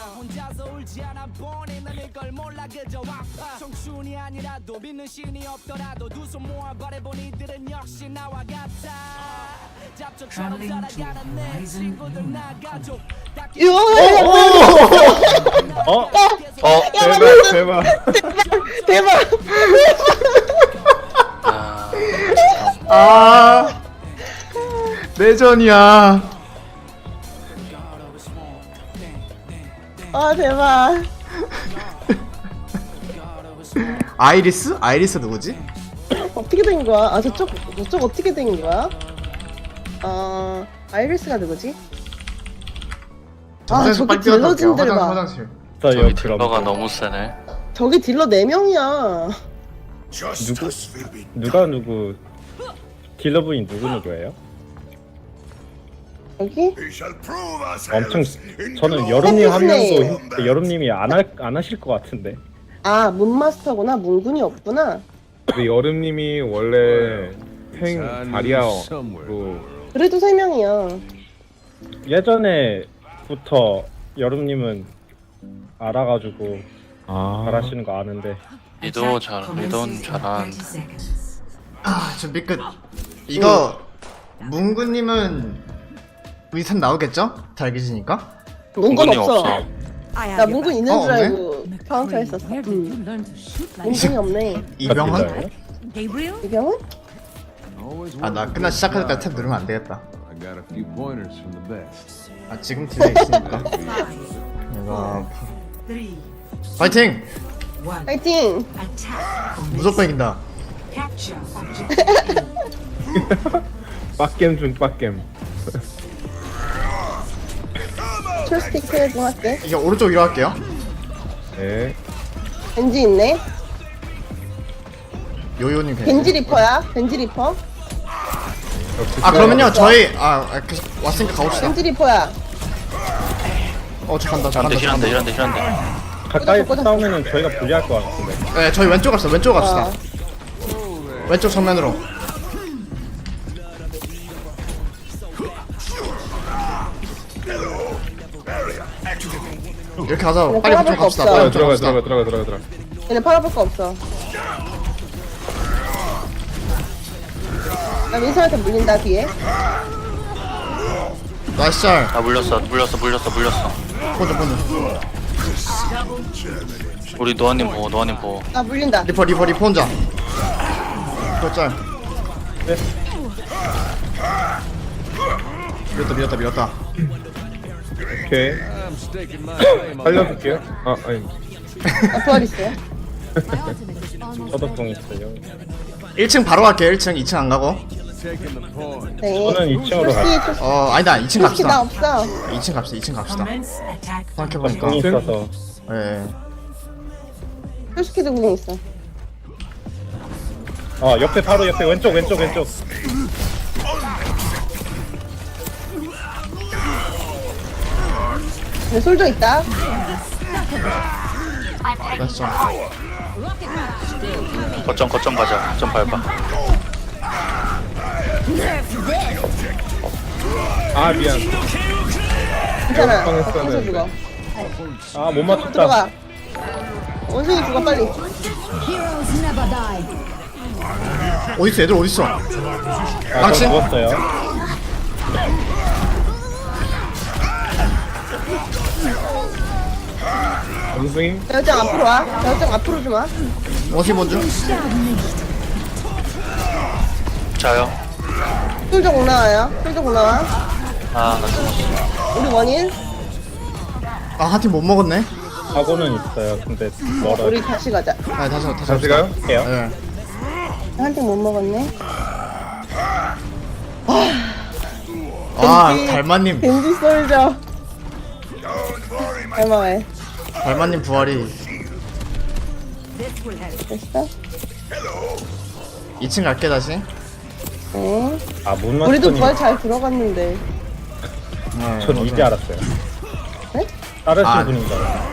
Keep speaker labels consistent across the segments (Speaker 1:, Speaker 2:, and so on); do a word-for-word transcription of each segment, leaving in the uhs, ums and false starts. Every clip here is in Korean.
Speaker 1: 혼자서 울지 않아 보니 난 이걸 몰라 그저 아파 청춘이 아니라도 믿는 신이 없더라도 두 손 모아 바라본 이들은 역시 나와 같아 잡초처럼 살아가는 내 친구들 나 가족
Speaker 2: 어?
Speaker 3: 어?
Speaker 2: 대박 대박
Speaker 4: 대박.
Speaker 3: 아 내전이야.
Speaker 4: 아 대박.
Speaker 3: 아이리스? 아이리스 누구지?
Speaker 4: 어떻게 된 거야? 아 저쪽 저쪽 어떻게 된 거야? 어 아이리스가 누구지? 아
Speaker 3: 화장실
Speaker 4: 저기
Speaker 3: 빨리 뛰어갔다 올게요.
Speaker 4: 딜러진들
Speaker 3: 화장,
Speaker 4: 봐.
Speaker 3: 화장실.
Speaker 2: 저요
Speaker 5: 저기
Speaker 2: 그럼
Speaker 5: 딜러가 너무 세네.
Speaker 4: 저기 딜러 네 명이야.
Speaker 2: 누구 누가 누구 딜러분이 누구 누구예요?
Speaker 4: 여기?
Speaker 2: 엄청 저는 여름님 하면서 힘- 여름님이 안, 할, 안 하실 것 같은데
Speaker 4: 아 문마스터구나. 문군이 없구나.
Speaker 6: 근데 여름님이 원래 탱 다리아로
Speaker 4: 그래도 세 명이야.
Speaker 2: 예전에부터 여름님은 알아가지고
Speaker 3: 아,
Speaker 2: 잘하시는 거 아는데
Speaker 5: 리도 잘 리도는 잘하는데.
Speaker 3: 아 준비 끝. 이거 문구님은 위선 나오겠죠? 달기지니까.
Speaker 4: 문군
Speaker 5: 문군이
Speaker 4: 없어.
Speaker 5: 없어.
Speaker 4: 나 문군 있는
Speaker 3: 어,
Speaker 4: 줄
Speaker 3: 없네?
Speaker 4: 알고 카운터 했었어. 응. 문군이 없네.
Speaker 3: 이병헌?
Speaker 7: Gabriel?
Speaker 4: 이병헌?
Speaker 3: 아 나 끝나 시작할 때까지 탭 누르면 안 되겠다.
Speaker 6: I got a few pointers from the best.
Speaker 3: 아 지금 딜레이 있으니까. 내가
Speaker 7: Three,
Speaker 3: 파이팅!
Speaker 7: one.
Speaker 4: 파이팅!
Speaker 7: Attack.
Speaker 3: 무조건 이긴다.
Speaker 7: Capture objective A.
Speaker 2: 빡겜 중 빡겜
Speaker 4: 초스틱 좀 할게.
Speaker 3: 이게 오른쪽 위로 할게요.
Speaker 2: 네
Speaker 4: 벤지 있네.
Speaker 3: 요요님 벤지.
Speaker 4: 벤지 리퍼야. 벤지 리퍼.
Speaker 3: 아 그러면요 저희 아 아, 계속 왔으니까 가봅시다.
Speaker 4: 벤지 리퍼야.
Speaker 3: 어저 간다 저
Speaker 5: 이런데
Speaker 3: 간다 저
Speaker 5: 이런데
Speaker 3: 간다.
Speaker 5: 이런데 이런데.
Speaker 2: 가까이
Speaker 4: 꽂았어, 꽂았어.
Speaker 2: 싸우면은 저희가 불리할 것 같은데
Speaker 3: 네 저희 왼쪽 갑시다. 왼쪽 갑시다.
Speaker 4: 어.
Speaker 3: 왼쪽 정면으로. 이렇게 가자.
Speaker 4: 그냥
Speaker 3: 빨리
Speaker 4: 따라볼
Speaker 3: 그쪽
Speaker 4: 거
Speaker 3: 갑시다.
Speaker 4: 없어.
Speaker 3: 빨리
Speaker 6: 들어가
Speaker 3: 그쪽
Speaker 6: 들어가
Speaker 3: 갑시다.
Speaker 6: 들어가 들어가 들어가.
Speaker 4: 얘네 팔아볼 거 없어. 나 민서한테 물린다 뒤에.
Speaker 3: 나이스 짤.
Speaker 5: 아 물렸어 물렸어 물렸어 물렸어.
Speaker 3: 본드 본드.
Speaker 5: 우리 노아님 보고 노아님 보고.
Speaker 4: 나 물린다.
Speaker 3: 리퍼 리퍼 리퍼 혼자. 그거 짤.
Speaker 2: 네.
Speaker 3: 밀었다 밀었다 밀었다.
Speaker 2: 오케이 살려줄게요 아 아니
Speaker 4: 나 부활 있어요.
Speaker 2: 저도 공 있어요
Speaker 3: 일 층 바로 갈게요. 일 층 이 층 안 가고.
Speaker 4: 네.
Speaker 2: 저는 이 층으로
Speaker 4: 초스틱
Speaker 2: 갈게요
Speaker 4: 초스틱
Speaker 3: 어 아니다 이 층
Speaker 4: 나
Speaker 3: 갑시다.
Speaker 4: 없어.
Speaker 3: 이 층 갑시다. 이 층 갑시다.
Speaker 7: Commence attack.
Speaker 3: 생각해보니까.
Speaker 2: 공이 있어서
Speaker 3: 예.
Speaker 4: 초스틱도 구경 있어.
Speaker 2: 어 옆에 바로 옆에 왼쪽 왼쪽 왼쪽
Speaker 4: 네, 솔져 있다.
Speaker 3: 나이스 짤.
Speaker 5: 거점 거점 가자. 거점 밟아.
Speaker 2: 아 미안
Speaker 4: 괜찮아.
Speaker 2: 어,
Speaker 4: 나 청소 죽어.
Speaker 2: 아 못 맞췄다
Speaker 4: 들어가. 원숭이 죽어 빨리.
Speaker 3: 어딨어 애들 어딨어?
Speaker 2: 아,
Speaker 3: 망치?
Speaker 2: 저 죽었어요 원숭이
Speaker 4: 여장 앞으로 와. 여장 앞으로 좀 와.
Speaker 3: 어디 먼저?
Speaker 5: 자요.
Speaker 4: 솔져 올라와요. 솔져 올라와.
Speaker 5: 아나 죽었어.
Speaker 4: 우리 원인.
Speaker 3: 아 한 팀 못 먹었네.
Speaker 2: 사고는 있어요 근데 멀어요
Speaker 4: 우리 다시 가자.
Speaker 3: 아 다시 다시
Speaker 6: 다시 가요?
Speaker 2: 할게요
Speaker 3: 예.
Speaker 4: 한 팀 못 먹었네.
Speaker 3: 아
Speaker 4: 벤지.
Speaker 3: 달마님
Speaker 4: 벤지 솔져. 얼마에?
Speaker 3: 달마님 부활이
Speaker 4: 됐어?
Speaker 3: 이 층 갈게 다시.
Speaker 4: 네.
Speaker 2: 아못
Speaker 4: 우리도
Speaker 2: 맞췄더니
Speaker 4: 부활 잘 들어갔는데.
Speaker 3: 네,
Speaker 2: 전 이제
Speaker 3: 맞아요.
Speaker 2: 알았어요
Speaker 4: 네?
Speaker 2: 다른
Speaker 3: 아.
Speaker 2: 분인 줄 알았어요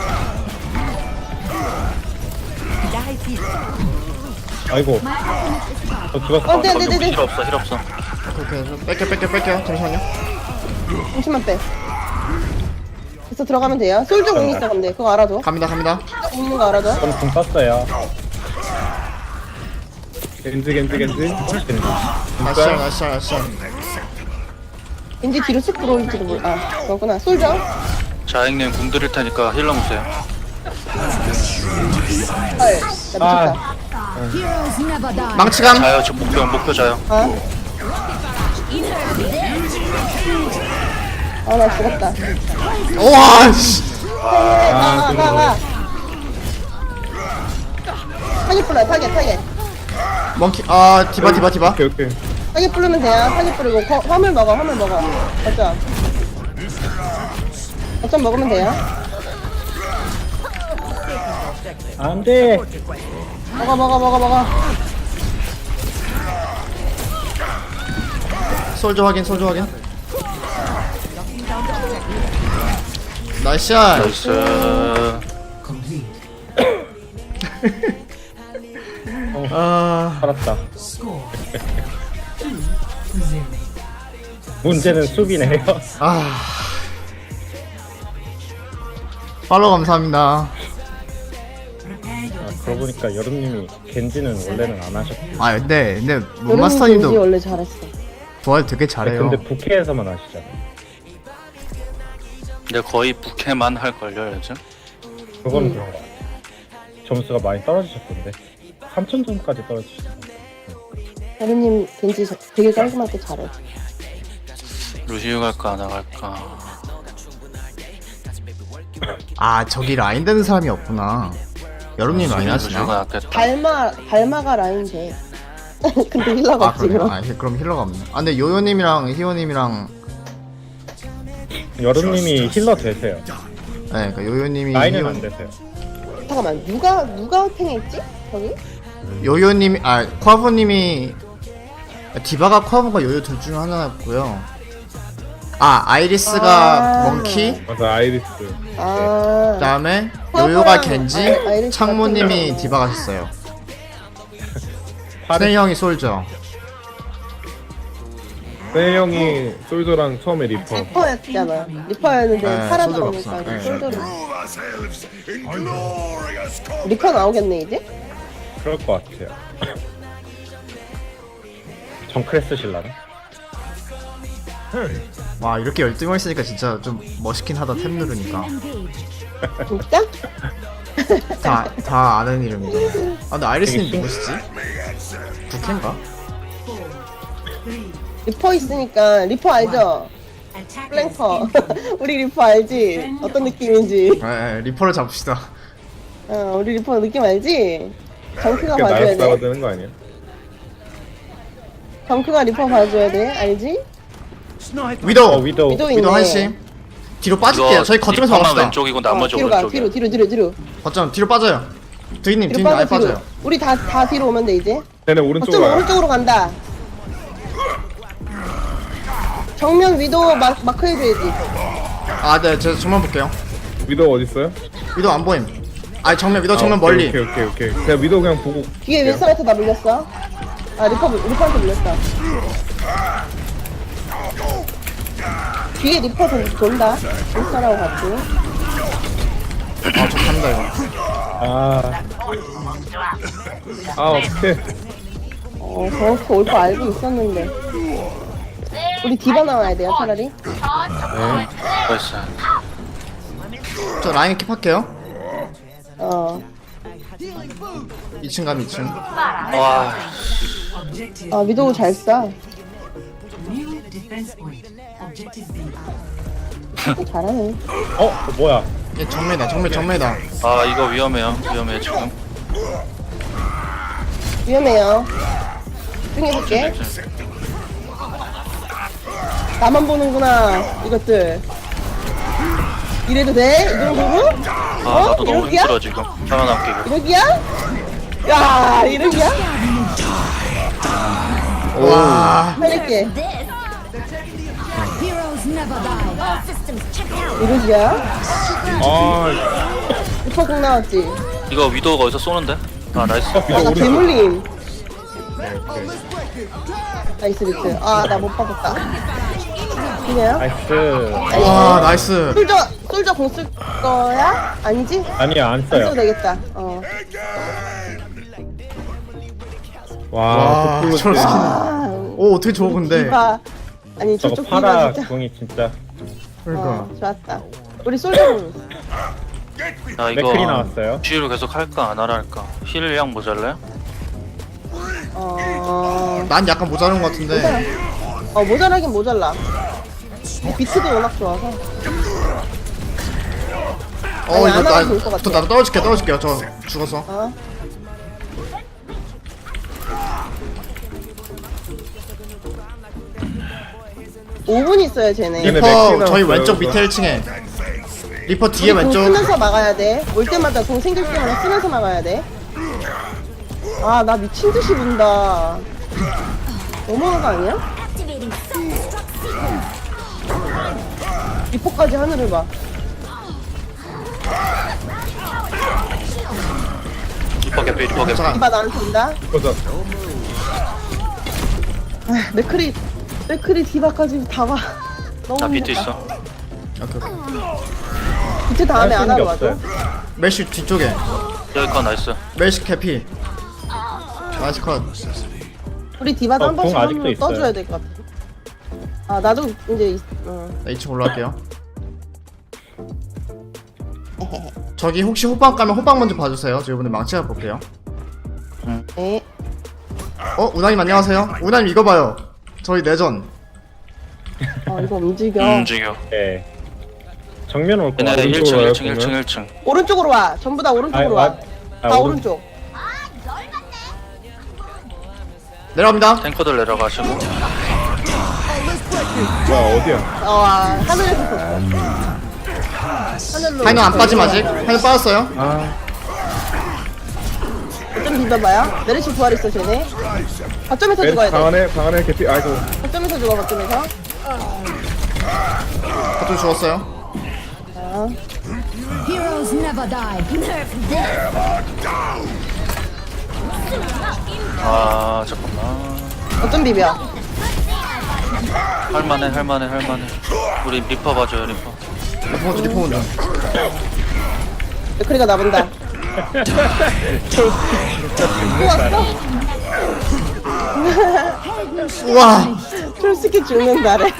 Speaker 2: 아이고 저 죽었어
Speaker 4: 어, 네, 네, 네, 네.
Speaker 5: 힐 없어 힐 없어.
Speaker 3: 오케이 오케이 뺄게 뺄게 뺄게 잠시만요.
Speaker 4: 잠시만 빼. 있어 들어가면 돼요. 솔저 공 있어 근데 그거 알아줘.
Speaker 3: 갑니다 갑니다.
Speaker 4: 공 있는 거 알아줘.
Speaker 2: 저는 공 썼어요. 겐지 겐지 겐지 겐지.
Speaker 3: 나이스 나이스 나이스.
Speaker 4: 왠지 뒤로 쓱 들어올지도 몰라. 아 그거구나. 솔저.
Speaker 5: 자 형님 궁 드릴 테니까 힐러 보세요.
Speaker 4: 헐. 나 미쳤다.
Speaker 2: 아.
Speaker 3: 망치감.
Speaker 5: 자요 저 목표 목표 자요.
Speaker 4: 아. 아 나 죽었다.
Speaker 3: 우와 씨.
Speaker 4: 가, 가, 가. 타겟 불러요, 타겟, 타겟.
Speaker 3: 멍키 아 디바 디바 디바.
Speaker 2: 오케이 오케이.
Speaker 4: 타겟 부르면 돼요. 타겟 부르고 거, 화물 먹어, 화물 먹어. 어쩜? 어쩜 먹으면 돼요.
Speaker 2: 안돼.
Speaker 4: 먹어, 먹어, 먹어, 먹어.
Speaker 3: 솔저 확인 솔저 확인. 나이스 샷.
Speaker 5: 나이스.
Speaker 7: Complete.
Speaker 3: 아
Speaker 2: 살았다.
Speaker 7: Score. two to zero.
Speaker 2: 문제는 수비네요.
Speaker 3: 아. 팔로우 감사합니다.
Speaker 7: Prepare your
Speaker 2: 아, 그러고 보니까 여름님이 겐지는 원래는 안 하셨고.
Speaker 3: 아 근데 근데
Speaker 4: 여름 왠지
Speaker 3: 문마스터님도
Speaker 4: 원래 잘했어.
Speaker 3: 좋아요 되게 잘해요.
Speaker 2: 근데 부캐에서만 하시잖아요.
Speaker 5: 근데 거의 부캐만 할걸요 요즘.
Speaker 2: 그건
Speaker 4: 음.
Speaker 2: 그런 거 같아요. 점수가 많이 떨어지셨던데. 삼천 점까지 떨어지셨던데.
Speaker 4: 여름님 왠지 저- 되게 깔끔하게 잘해.
Speaker 5: 루시우 갈까 안 갈까.
Speaker 3: 아 저기 라인 되는 사람이 없구나. 여름님 라인
Speaker 5: 루시우가
Speaker 3: 하시나?
Speaker 5: 낫겠다.
Speaker 4: 발마, 발마가 라인 돼. 근데 힐러가
Speaker 3: 아
Speaker 4: 없지,
Speaker 3: 그래요?
Speaker 4: 그럼.
Speaker 3: 아 그럼 힐러가 없네. 아 근데 요요님이랑 희호님이랑
Speaker 2: 여름님이 힐러 되세요.
Speaker 3: 네 그러니까 요요님이
Speaker 2: 라인은
Speaker 3: 희호-
Speaker 2: 안 되세요.
Speaker 4: 잠깐만, 누가, 누가 탱했지? 저기?
Speaker 3: 요요님이 아 쿼브님이 디바가 쿼브가 요요 둘 중 하나였고요. 아 아이리스가
Speaker 4: 아.
Speaker 3: 멍키
Speaker 2: 맞아 아이리스.
Speaker 4: 아.
Speaker 3: 그다음에
Speaker 4: 쿼브랑
Speaker 3: 요요가 겐지
Speaker 4: 아이- 아이리스
Speaker 3: 창모님이
Speaker 4: 같은
Speaker 3: 디바 가셨어요.
Speaker 2: 파리
Speaker 3: 스네이 형이 솔저.
Speaker 6: 세 형이 솔저랑 처음에 리퍼.
Speaker 4: 리퍼였잖아. 리퍼였는데
Speaker 3: 네,
Speaker 4: 살아
Speaker 3: 솔저가
Speaker 4: 나오니까
Speaker 3: 없어. 네.
Speaker 4: 솔저를. 리퍼 나오겠네 이제?
Speaker 2: 그럴 것 같아요. 정크레스 실라나?
Speaker 3: 와 이렇게 열등을 있으니까 진짜 좀 멋있긴 하다 탭 누르니까.
Speaker 4: 진짜?
Speaker 3: 다, 다 아는 이름이잖아. 아 근데 아이리스님
Speaker 2: 되게
Speaker 3: 누구시지? 부캔가?
Speaker 7: four, three.
Speaker 4: 리퍼 있으니까 리퍼 알죠?
Speaker 7: Attackers
Speaker 4: 플랭커.
Speaker 7: in.
Speaker 4: 우리 리퍼 알지? 어떤 느낌인지.
Speaker 3: 에, 에 리퍼를 잡읍시다.
Speaker 4: 어, 우리 리퍼 느낌 알지? 정크가
Speaker 6: 그게
Speaker 4: 봐줘야
Speaker 6: 나이스 나가
Speaker 4: 돼.
Speaker 6: 되는 거 아니야?
Speaker 4: 정크가 리퍼 봐줘야 돼. 알지?
Speaker 3: 위도우!
Speaker 2: 어 위도우.
Speaker 4: 위도우
Speaker 3: 위도우
Speaker 4: 있네.
Speaker 3: 한시. 뒤로 빠질게요. 저희 거점에서
Speaker 5: 리퍼만
Speaker 3: 막읍시다.
Speaker 5: 왼쪽이고 나머지
Speaker 4: 어, 뒤로 가.
Speaker 5: 오른쪽이야.
Speaker 4: 뒤로 뒤로 뒤로 뒤로.
Speaker 3: 거점 뒤로 빠져요. 드이님
Speaker 4: 뒤로
Speaker 3: 뒤로 아예
Speaker 4: 빠져 뒤로.
Speaker 3: 빠져요.
Speaker 4: 우리 다 다 뒤로 오면 돼 이제.
Speaker 6: 쟤네
Speaker 4: 어쩜
Speaker 6: 오른쪽으로 가요.
Speaker 4: 오른쪽으로 간다. 정면 위도 마, 마크 해줘야지.
Speaker 3: 아 네, 제가 정면 볼게요.
Speaker 6: 위도우 어디 있어요?
Speaker 3: 위도우 안 보임. 아 정면 위도우 정면
Speaker 6: 아, 오케이,
Speaker 3: 멀리.
Speaker 6: 오케이 오케이 오케이. 제가 위도우 그냥 보고.
Speaker 4: 뒤에 윈스턴한테 나 물렸어. 아 리퍼 리퍼한테 물렸다. 뒤에 리퍼 돈- 돈다. 윈스턴하고 같이.
Speaker 3: 아저 간다 이거.
Speaker 2: 아
Speaker 6: 아 어떡해.
Speaker 4: 어 저렇게 올 거 알고 있었는데. 우리 디바 나와야 돼요 차라리.
Speaker 5: 나이스.
Speaker 3: 저 라인 킵할게요.
Speaker 4: 어.
Speaker 3: 이 층 가면 이 층.
Speaker 5: 와
Speaker 7: Objective.
Speaker 4: 아 위도우 잘 쏴.
Speaker 7: New defense point. Objective B.
Speaker 4: 잘하네.
Speaker 2: 어 뭐야?
Speaker 3: 얘 정면이다 정면 정면이다.
Speaker 5: 아 이거 위험해요. 위험해 지금.
Speaker 4: 위험해요. 집중해볼게. 나만 보는구나 이것들. 이래도 돼? 이 정도로?
Speaker 5: 아
Speaker 4: 어?
Speaker 5: 나도 너무
Speaker 4: 이러기야?
Speaker 5: 힘들어 지금. 살아남기가.
Speaker 4: 이러기야? 야 이러기야?
Speaker 3: 와.
Speaker 4: 살릴게. 이러기야?
Speaker 2: 아
Speaker 4: 리퍼 공 나왔지?
Speaker 5: 이거 위도우가 어디서 쏘는데? 아 나이스.
Speaker 4: 아나 개물림.
Speaker 2: 오케이.
Speaker 4: 나이스 리트. 아 나 못 받았다. 그냥
Speaker 2: 나이스.
Speaker 3: 와 나이스.
Speaker 4: 솔저 솔저 공 쓸 거야? 아니지?
Speaker 2: 아니요, 안
Speaker 4: 안 써도
Speaker 2: 써요.
Speaker 4: 되겠다. 어.
Speaker 3: 와
Speaker 6: 와,
Speaker 3: 저런 스킨.
Speaker 4: 아,
Speaker 3: 오 어떻게 저거 근데.
Speaker 4: 디바 아니
Speaker 2: 저거
Speaker 4: 저쪽
Speaker 2: 파라
Speaker 4: 디바 진짜.
Speaker 2: 궁이 진짜
Speaker 3: 그러니까.
Speaker 4: 어, 좋았다. 우리 솔저 공.
Speaker 5: 나 이거
Speaker 2: 맥클이 나왔어요.
Speaker 5: 쥐로 계속 할까 안 하라 할까? 힐량 모자래?
Speaker 4: 어.
Speaker 3: 난 약간 모자른 것 같은데.
Speaker 4: 어 모자라긴 모자라. 비트도 워낙 좋아서.
Speaker 3: 어
Speaker 4: 아니,
Speaker 3: 이거
Speaker 4: 안
Speaker 3: 나,
Speaker 4: 하면 좋을 것 같아.
Speaker 3: 저 나도 떨어질게 떨어질게요. 저 죽어서.
Speaker 4: 어. 오 분 있어요 쟤네.
Speaker 6: 얘네
Speaker 3: 리퍼
Speaker 6: 맥주
Speaker 3: 저희
Speaker 6: 나왔어요,
Speaker 3: 왼쪽
Speaker 6: 이거.
Speaker 3: 밑에 일 층에. 리퍼 뒤에
Speaker 4: 공
Speaker 3: 왼쪽.
Speaker 4: 쓰면서 막아야 돼. 올 때마다 공 생길 때마다 쓰면서 막아야 돼. 아 나 미친 듯이 분다. 너무한 거 아니야? 리포까지 하늘을 봐.
Speaker 5: 리퍼 개피 리퍼 개피.
Speaker 3: 잠깐.
Speaker 4: 이봐 나한테 온다.
Speaker 6: 보자.
Speaker 4: 아, 맥크리 맥크리 디바까지 다 봐. 너무
Speaker 5: 나 비트
Speaker 4: 힘들다.
Speaker 5: 있어.
Speaker 3: 오케이, 오케이.
Speaker 4: 비트 다음에
Speaker 2: 할
Speaker 4: 안
Speaker 2: 수 있는 게
Speaker 4: 하러 와줘.
Speaker 2: 없어요.
Speaker 3: 멜시 뒤쪽에.
Speaker 5: 여기 거 나이스.
Speaker 3: 멜시 캐피. 나이스 컷.
Speaker 4: 우리 디바도
Speaker 2: 어,
Speaker 4: 한 번씩
Speaker 2: 공 아직도
Speaker 4: 한번
Speaker 2: 있어요.
Speaker 4: 떠줘야 될 것 같아. 아 나도 이제 있- 어.
Speaker 3: 나 이 층 올라갈게요. 저기 혹시 호빵 가면 호빵 먼저 봐주세요. 저 이번에 망치가 볼게요.
Speaker 4: 네.
Speaker 3: 어 우나님 안녕하세요. 우나님 이거 봐요. 저희 내전.
Speaker 4: 어 이거 움직여.
Speaker 5: 음, 움직여.
Speaker 2: 네. 정면 올
Speaker 5: 얘네
Speaker 2: 거야.
Speaker 5: 일 층
Speaker 6: 와요,
Speaker 5: 일 층 일 층
Speaker 6: 보면?
Speaker 5: 일 층.
Speaker 4: 오른쪽으로 와. 전부 다 오른쪽으로
Speaker 2: 아,
Speaker 4: 와.
Speaker 2: 아,
Speaker 4: 다
Speaker 2: 오른-
Speaker 4: 오른쪽.
Speaker 3: 내려갑니다.
Speaker 5: 탱커들 내려가시고.
Speaker 6: 뭐야, 어디야?
Speaker 4: 어 아, 하늘에서 하늘로.
Speaker 3: 하이는 안 빠짐 아직. 하이는 빠졌어요.
Speaker 6: 아,
Speaker 4: 좀 비벼봐요. 메르시 부활 있어 쟤네. 거점에서
Speaker 6: 왼
Speaker 4: 죽어야
Speaker 6: 방
Speaker 4: 돼.
Speaker 6: 안에, 방 안에 개피, 아이고.
Speaker 4: 거점에서 죽어 거점에서.
Speaker 3: 저도 죽었어요.
Speaker 4: 아,
Speaker 8: Heroes never die. Nerf them.
Speaker 5: 아 잠깐만.
Speaker 4: 거점 비벼.
Speaker 5: 할만해 할만해 할만해. 우리 리퍼 봐줘요 리퍼.
Speaker 3: 리퍼 먼저 리퍼 먼저.
Speaker 4: 맥크리가 나본다. 또 왔어?
Speaker 3: 우와.
Speaker 4: 솔직히 죽는다래.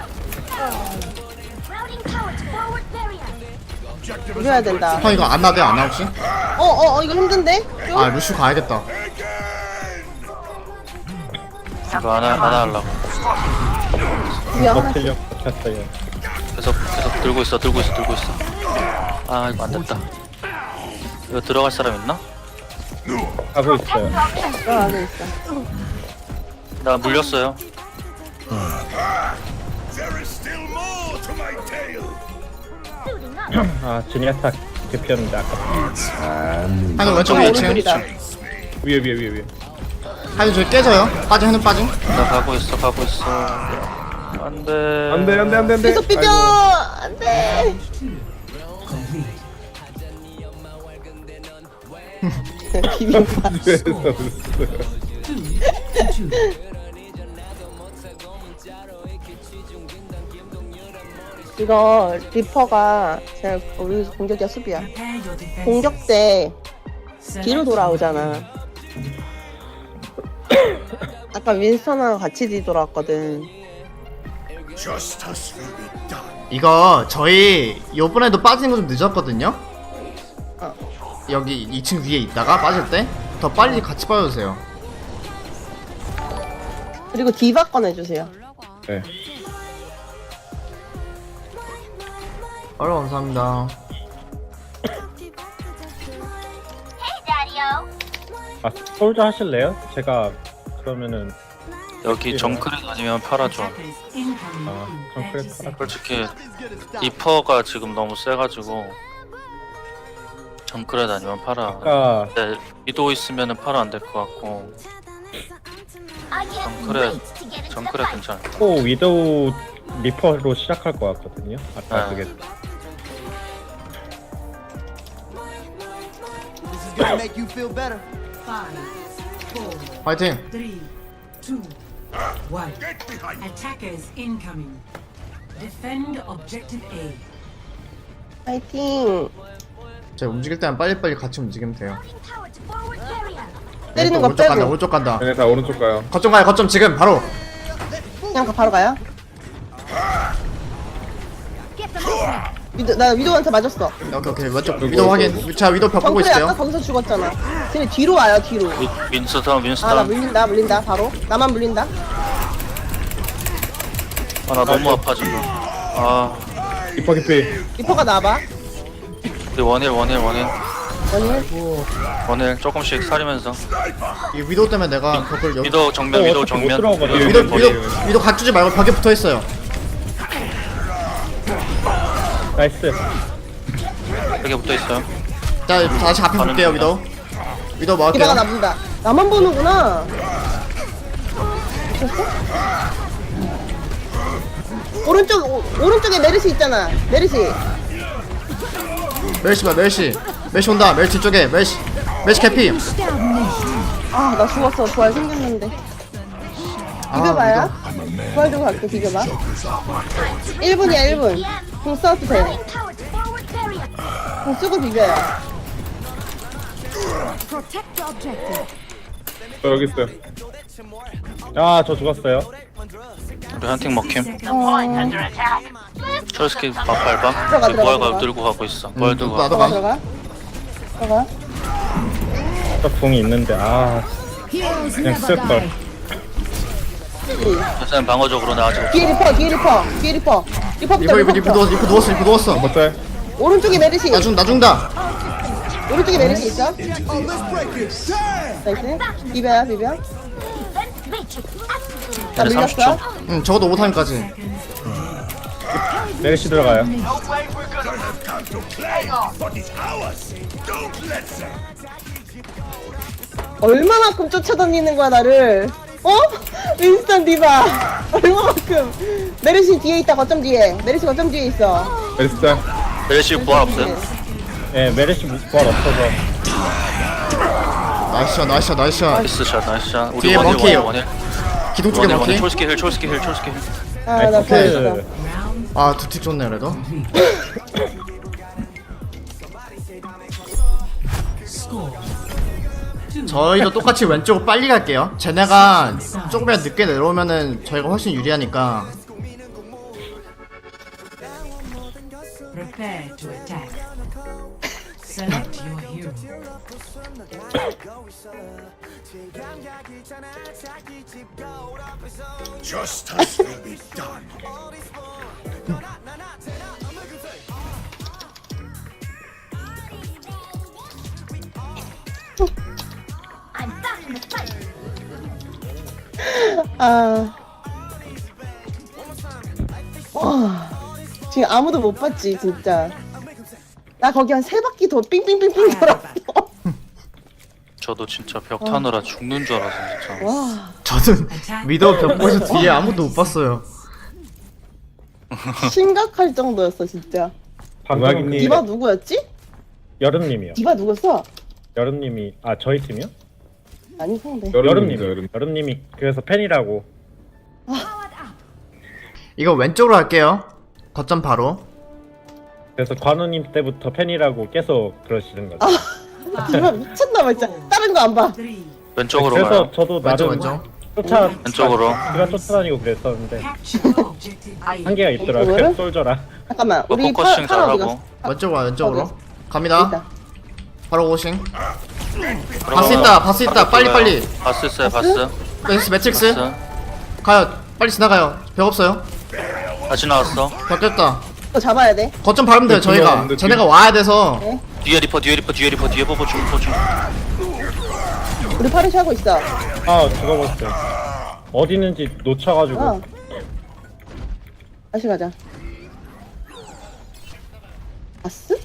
Speaker 4: 비벼야 된다.
Speaker 3: 형 이거 안 나대 안 나 혹시?
Speaker 4: 어어 어, 이거 힘든데? 좀?
Speaker 3: 아 루슈 가야겠다.
Speaker 5: 이거 하나 하나 하려고.
Speaker 4: 비벼
Speaker 2: 어,
Speaker 4: 하나.
Speaker 2: 틀려. 켰어요.
Speaker 5: 계속 계속 들고 있어 들고 있어 들고 있어. 아 이거 안 됐다. 이거 들어갈 사람 있나?
Speaker 2: 하고 있어요.
Speaker 4: 어 안에 있어.
Speaker 5: 나 물렸어요.
Speaker 2: 아, 지니아타 개피였는데 아까.
Speaker 3: 하이는 왼쪽에
Speaker 4: 아,
Speaker 3: 이 층.
Speaker 4: 오른쪽이다.
Speaker 6: 위에, 위에, 위에, 위에.
Speaker 3: 하이는 저기 깨져요. 빠짐 하이는 빠짐.
Speaker 5: 나 가고 있어 가고 있어. 안돼.
Speaker 6: 안 돼, 안 돼, 안 돼, 안 돼.
Speaker 4: 계속 비벼.
Speaker 6: 아이고.
Speaker 4: 안돼. 비벼봐.
Speaker 6: 그래서 그랬어요.
Speaker 7: Two.
Speaker 4: 이거 리퍼가 제가 우리 공격이야 수비야.
Speaker 7: Prepare your defense.
Speaker 4: 공격 때
Speaker 7: Select
Speaker 4: 뒤로 돌아오잖아. 아까 윈스턴하고 같이 뒤돌아왔거든.
Speaker 3: 이거 저희 요번에도 빠지는 거 좀 늦었거든요.
Speaker 4: 어.
Speaker 3: 여기 이 층 위에 있다가 빠질 때 더 빨리 같이 빠져주세요.
Speaker 4: 그리고 디바 꺼내주세요.
Speaker 6: 네.
Speaker 3: 어려 감사합니다.
Speaker 2: 아, 솔저 하실래요? 제가 그러면은
Speaker 5: 여기 정크렛 아니면 팔아줘.
Speaker 7: attackers incoming
Speaker 2: 아,
Speaker 7: in
Speaker 2: 좀 그래
Speaker 7: thirty
Speaker 2: 팔아.
Speaker 7: seconds.
Speaker 5: 솔직히 리퍼가 지금 너무 세가지고 정크렛 아니면 팔아.
Speaker 2: 아까
Speaker 5: 근데 위도 있으면은 팔아 안 될 것 같고. 정크렛 정크렛 괜찮아.
Speaker 2: 또 위도우 리퍼로 시작할 것 같거든요. 아까
Speaker 5: 아.
Speaker 2: 그게
Speaker 1: This is gonna make you feel better.
Speaker 7: Five, four,
Speaker 3: 화이팅.
Speaker 7: three, two, one. Attackers incoming. Defend objective A.
Speaker 4: 파이팅.
Speaker 3: 제가 움직일 때만 빨리빨리 같이 움직이면 돼요.
Speaker 4: 때리는 거
Speaker 3: 오른쪽 간다
Speaker 4: 빼고.
Speaker 3: 오른쪽 간다.
Speaker 6: 얘네 다 오른쪽 가요.
Speaker 3: 거점 가요 거점 지금 바로.
Speaker 4: 그냥 가, 바로 가요. 위도, 나 위도한테 맞았어.
Speaker 3: 오케이 오케이 왼쪽 위도 확인. 자 위도 벽 보고
Speaker 4: 정글이 아까
Speaker 3: 있어요.
Speaker 4: 거기서 죽었잖아. 쟤네 뒤로 와요, 뒤로.
Speaker 5: 윈- 윈스턴
Speaker 4: 아, 나
Speaker 5: 윈스턴.
Speaker 4: 물린다, 물린다, 바로. 나만 물린다.
Speaker 5: 아 나 너무 아파 지금. 아
Speaker 2: 리퍼 깊이.
Speaker 4: 리퍼가 나와봐.
Speaker 5: 우리 원일 원일 원일
Speaker 4: 아니,
Speaker 5: 원일 조금씩 사리면서.
Speaker 3: 이 위도 때문에 내가 벽을 여기.
Speaker 5: 위도 정면 위도
Speaker 2: 어차피 못
Speaker 5: 정면.
Speaker 2: 들어가거든.
Speaker 3: 위도 위도 위도 각주지 말고 벽에 붙어 있어요.
Speaker 2: 나이스.
Speaker 5: 여기 붙어 있어요.
Speaker 3: 자 다시 앞에
Speaker 5: 가는
Speaker 3: 볼게요
Speaker 5: 중이다.
Speaker 3: 위도. 위도
Speaker 4: 디바가
Speaker 3: 막을게요.
Speaker 4: 나 본다. 나만 보는구나. 미쳤어? 오른쪽, 오, 오른쪽에 메르시 있잖아. 메르시.
Speaker 3: 멜시 봐 멜시. 멜시 온다. 멜시 쪽에 멜시. 멜시 캐피.
Speaker 4: 아, 나 죽었어. 부활 생겼는데.
Speaker 3: 아,
Speaker 4: 비벼봐요. 부활 좀 갈게, 비벼봐. 일 분이야, 일 분. 공 써도 돼. 공 쓰고 비벼요.
Speaker 8: Protect the objective.
Speaker 2: 저 여기 있어요. 아, 저 죽었어요.
Speaker 5: 우리 한팀 먹힘.
Speaker 4: 어,
Speaker 5: 철스키 막 밟아.
Speaker 4: 들어가,
Speaker 5: 우리
Speaker 4: 들어가,
Speaker 5: 부활
Speaker 4: 들어가.
Speaker 5: 가 들고 가고 있어. 부활 들고 가.
Speaker 3: 나도
Speaker 4: 들어가,
Speaker 3: 가.
Speaker 4: 들어가. 들어가.
Speaker 2: 저 궁이 있는데, 아,
Speaker 8: Heroes
Speaker 2: 그냥
Speaker 8: never die.
Speaker 2: 쓸걸.
Speaker 5: 선생님 방어적으로 나 아직.
Speaker 4: 뒤에 리퍼, 뒤에 리퍼, 뒤에 리퍼. 리퍼부터,
Speaker 3: 이거 이거 이거
Speaker 4: 리퍼부터.
Speaker 3: 누웠어 이거 누웠어 이거 누웠어.
Speaker 2: 못해.
Speaker 4: 오른쪽에 메르시.
Speaker 3: 나 죽, 나 죽는다.
Speaker 4: 오른쪽에 메르시 있어. 나이스. 비벼요, 비벼. 나
Speaker 5: 얘네 삼십 초.
Speaker 4: 밀렸어.
Speaker 3: 응 적어도 오타임까지.
Speaker 2: 메르시 들어가요.
Speaker 4: 얼마만큼 쫓아다니는 거야, 나를. 어? 윈스턴 디바. 얼마만큼. 메르시 뒤에 있다, 거점 뒤에. 메르시 거점 뒤에 있어.
Speaker 2: 메르시.
Speaker 5: 멜시 부활 없어요?
Speaker 2: 예, 메르시 부활 없어서.
Speaker 3: 나이스샷 나이스샷 나이스샷.
Speaker 5: 나이스 샷 나이스 샷. 우리
Speaker 3: 뒤에
Speaker 5: 원일
Speaker 3: 멍키.
Speaker 5: 원일 원일.
Speaker 3: 기둥 쪽에
Speaker 5: 원일 원일.
Speaker 3: 먹히.
Speaker 5: 철스키 힐 철스키 힐 철스키 힐.
Speaker 4: 아, 나
Speaker 2: 나이스.
Speaker 4: 보였어.
Speaker 3: 아 두틱 좋네 그래도.
Speaker 7: Score. Two.
Speaker 3: 저희도 똑같이 왼쪽으로 빨리 갈게요. 쟤네가 조금이라도 늦게 내려오면은 저희가 훨씬 유리하니까.
Speaker 7: Prepare to attack. Select your hero.
Speaker 4: 아. 와. 지금 아무도 못 봤지, 진짜. 나 거기 한 세 바퀴 더 삥삥삥삥 돌았어.
Speaker 5: 저도 진짜 벽 타느라 죽는 줄 알았어 진짜.
Speaker 4: 와.
Speaker 3: 저는 미더 벽보에서 뒤에 아무도 못 봤어요.
Speaker 4: 심각할 정도였어, 진짜.
Speaker 2: 방금
Speaker 4: 디바 누구였지?
Speaker 2: 여름님이요.
Speaker 4: 디바 누구였어?
Speaker 2: 여름님이, 아, 저희 팀이요?
Speaker 4: 아니, 상대.
Speaker 2: 여름님.
Speaker 6: 여름.
Speaker 2: 여름님이 그래서 팬이라고.
Speaker 3: 이거 왼쪽으로 할게요. 거점 바로.
Speaker 2: 그래서 관우님 때부터 팬이라고 계속 그러시는 거죠.
Speaker 4: 디바 미쳤나봐, 진짜. 다른 거 안 봐.
Speaker 7: Three.
Speaker 5: 왼쪽으로
Speaker 2: 그래서
Speaker 5: 가요.
Speaker 2: 저도
Speaker 3: 왼쪽
Speaker 2: 나름
Speaker 3: 왼쪽.
Speaker 2: 쫓아
Speaker 5: 왼쪽으로.
Speaker 2: 제가 쫓아다니고 그랬었는데
Speaker 7: Capture objective A.
Speaker 2: 한계가 있더라고요.
Speaker 4: 이쪽으로?
Speaker 2: 솔저라.
Speaker 4: 잠깐만,
Speaker 5: 뭐
Speaker 4: 우리 파,
Speaker 5: 포커싱
Speaker 4: 파라 어디
Speaker 5: 잘하고.
Speaker 4: 갔어?
Speaker 3: 왼쪽으로 와 왼쪽으로.
Speaker 4: 어디?
Speaker 3: 갑니다.
Speaker 4: 있다.
Speaker 3: 바로 오싱. 바스 있다 바스 있다 빨리 빨리.
Speaker 5: 바스 있어요 바스.
Speaker 3: 매트릭스 매트릭스.
Speaker 5: 바스.
Speaker 3: 가요. 빨리 지나가요. 벽 없어요.
Speaker 5: 다시 나왔어.
Speaker 3: 벽 깼다.
Speaker 4: 또 잡아야 돼.
Speaker 3: 거점 밟으면 돼요
Speaker 6: 네,
Speaker 3: 저희가.
Speaker 6: 없는데,
Speaker 3: 쟤네가 와야 돼서.
Speaker 5: 뒤에 리퍼 뒤에 리퍼 뒤에 리퍼 뒤에 버버 중 버버 중.
Speaker 4: 우리 파리시 하고 있어.
Speaker 2: 아, 죽어버렸어요. 어디 있는지 놓쳐가지고.
Speaker 4: 어. 다시 가자. 바스?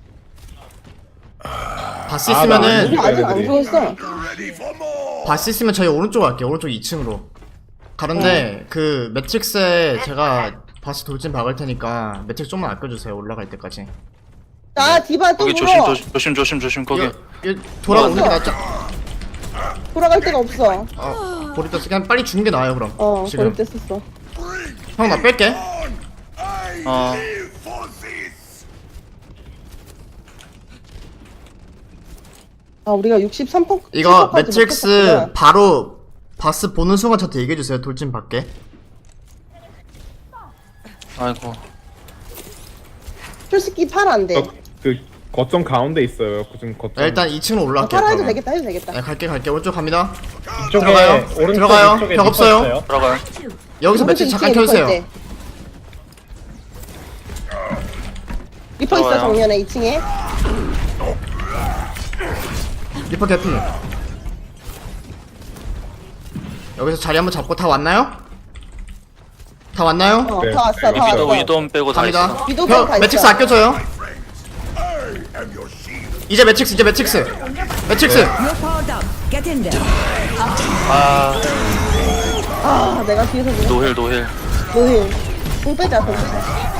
Speaker 3: 바스
Speaker 2: 아,
Speaker 3: 있으면은
Speaker 4: 우리 아직 안 죽었어.
Speaker 3: 바스 있으면 저희 오른쪽 갈게요. 오른쪽 이 층으로. 가는데 그 매트릭스에 제가 바스 돌진 박을 테니까 매트릭스 좀만 아껴주세요. 올라갈 때까지.
Speaker 4: 자, 디바 또
Speaker 5: 거기
Speaker 4: 물어.
Speaker 5: 조심 조심 조심 조심 조심 거기.
Speaker 3: 이거, 이거 돌아오는 게 낫죠.
Speaker 4: 돌아갈 데가 없어.
Speaker 3: 어, 보리토스 그냥 빨리 주는 게 나아요 그럼.
Speaker 4: 어,
Speaker 3: 지금.
Speaker 4: 버릴 때 썼어.
Speaker 3: 형 나 뺄게.
Speaker 5: 어
Speaker 4: 아 우리가 육십삼 번
Speaker 3: 이거 매트릭스 바로 바스 보는 순간 저한테 얘기해주세요. 돌진 밖에.
Speaker 5: 아이고
Speaker 4: 솔직히 팔 안돼.
Speaker 6: 어, 그 거점 가운데 있어요. 그중 거점.
Speaker 3: 야, 일단 이 층으로
Speaker 4: 아,
Speaker 3: 올라갈게요.
Speaker 4: 팔 해도
Speaker 3: 그러면.
Speaker 4: 되겠다 해도 되겠다.
Speaker 3: 네, 갈게 갈게. 오른쪽 갑니다.
Speaker 2: 이쪽에
Speaker 3: 들어가요.
Speaker 2: 오른쪽
Speaker 3: 들어가요.
Speaker 2: 이쪽에
Speaker 3: 벽
Speaker 2: 리퍼
Speaker 3: 없어요.
Speaker 2: 있어요.
Speaker 5: 들어가요.
Speaker 3: 여기서 매트릭스 잠깐
Speaker 4: 리퍼
Speaker 3: 켜주세요.
Speaker 4: 있대. 리퍼 있어
Speaker 5: 들어와요.
Speaker 4: 정면에 이 층에.
Speaker 3: 리퍼 개피. 여기서 자리 한번 잡고 다 왔나요? 다 왔나요?
Speaker 4: 어,
Speaker 6: 네.
Speaker 4: 다 왔어, 다
Speaker 5: 위도
Speaker 4: 왔어.
Speaker 5: 위도 빼고 다
Speaker 3: 갑니다.
Speaker 5: 있어.
Speaker 4: 위도
Speaker 3: 벽,
Speaker 4: 다
Speaker 3: 매트릭스
Speaker 4: 있어.
Speaker 3: 아껴줘요. 이제 매트릭스 이제 매트릭스. 매트릭스.
Speaker 7: You're powered up. Get in there.
Speaker 5: 아
Speaker 4: 아, 내가 뒤에서 지금
Speaker 5: 노힐 노힐.
Speaker 4: 노힐. 공 빼자, 공 빼자.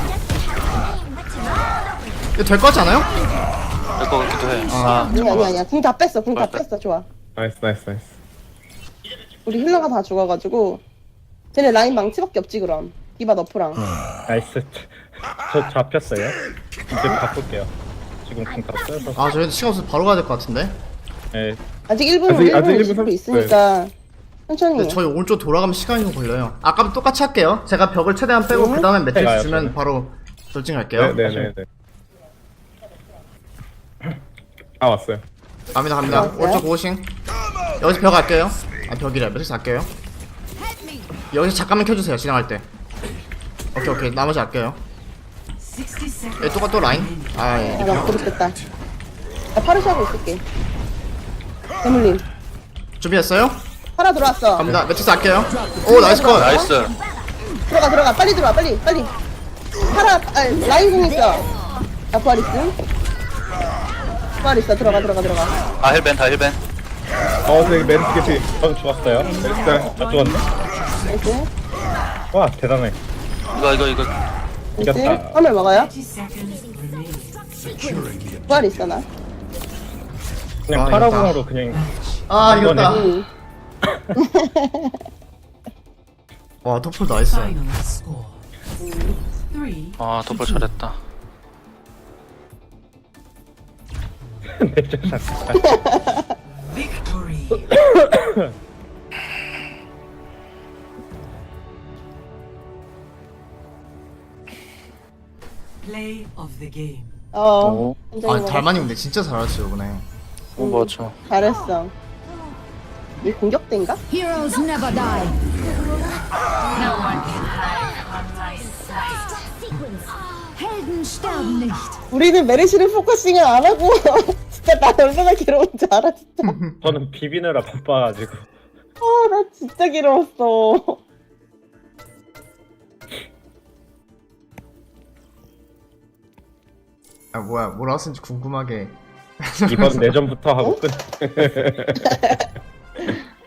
Speaker 3: 이거 될 것 같지 않아요?
Speaker 5: 될 것 같기도 해. 아
Speaker 4: 아니, 아니, 아니야. 공 다 뺐어, 공 다
Speaker 5: 빨리
Speaker 4: 뺐어. 좋아.
Speaker 6: 나이스 나이스 나이스.
Speaker 4: 우리 힐러가 다 죽어가지고. 쟤네 라인 망치밖에 없지, 그럼. 디바 너프랑.
Speaker 2: 나이스. 저 잡혔어요. 이제 바꿀게요. 지금 궁다 써서.
Speaker 3: 아 저희도 시간 없어서 바로 가야 될 것 같은데.
Speaker 2: 네.
Speaker 4: 아직 일 분,
Speaker 6: 아직-
Speaker 4: 일 분
Speaker 6: 아직 일 분
Speaker 4: 이십 분
Speaker 6: 삼십
Speaker 4: 있으니까. 천천히.
Speaker 3: 근데 저희 오른쪽 돌아가면 시간이 좀 걸려요. 아까도 똑같이 할게요. 제가 벽을 최대한 빼고 그 다음에 매트릭스
Speaker 2: 가요,
Speaker 3: 주면
Speaker 2: 저는.
Speaker 3: 바로 돌진 갈게요.
Speaker 6: 네네네. 아 왔어요.
Speaker 3: 갑니다 갑니다.
Speaker 4: 왔어요?
Speaker 3: 오른쪽 고고싱. 여기서 벽 할게요. 아 벽이래. 매트릭스 할게요. 여기서 잠깐만 켜주세요. 지나갈 때. 오케이 오케이. 나머지 할게요.
Speaker 7: sixty seconds.
Speaker 3: 여기 똑같 또 라인. 아 예.
Speaker 4: 아, 나 그렇겠다. 나 파르시 하고 있을게. 대물림.
Speaker 3: 준비했어요?
Speaker 4: 파라 들어왔어.
Speaker 3: 갑니다. 매트릭스 할게요. 오 나이스 컷.
Speaker 5: 나이스.
Speaker 4: 들어가, 들어가. 빨리 들어와, 빨리, 빨리. 파라, 아, 라인 공 있어. 나 부활 있음. 부활 있어. 들어가, 들어가, 들어가.
Speaker 5: 아 힐벤 다 힐벤.
Speaker 6: 어 저기 메르스 개피.
Speaker 2: 저 죽었어요.
Speaker 6: 일단
Speaker 2: 아 죽었네.
Speaker 4: 나이스.
Speaker 2: 와 대단해.
Speaker 5: 이거 이거 이거.
Speaker 4: 나이스.
Speaker 2: 이겼다.
Speaker 4: 화물 먹어요.
Speaker 7: thirty seconds remaining.
Speaker 4: 부활 있어, 나.
Speaker 2: 그냥
Speaker 3: 아,
Speaker 2: 파라공으로 그냥
Speaker 3: 아 이겼다.
Speaker 4: 응.
Speaker 3: 와 토플 나이스.
Speaker 7: Final score. Three.
Speaker 5: 아 도플 잘했다.
Speaker 2: 내쫓 잡혔다.
Speaker 7: Victory. Play of the game.
Speaker 4: 어.
Speaker 5: 오.
Speaker 4: 굉장히
Speaker 3: 아
Speaker 4: 먹었어.
Speaker 3: 달만이 근데 진짜 잘하셨어요 이번에.
Speaker 5: 오 맞죠.
Speaker 4: 잘했어. 이 공격대인가?
Speaker 8: Heroes never die. Helden sterben nicht.
Speaker 4: 우리는 메르시를 포커싱을 안 하고 진짜 나 얼마나 괴로운 줄 알아 진짜.
Speaker 2: 저는 비비느라 바빠가지고.
Speaker 4: 아 나 진짜 괴로웠어.
Speaker 3: 아 뭐야 뭐 나왔는지 궁금하게.
Speaker 2: 이번 내전부터 하고 끝.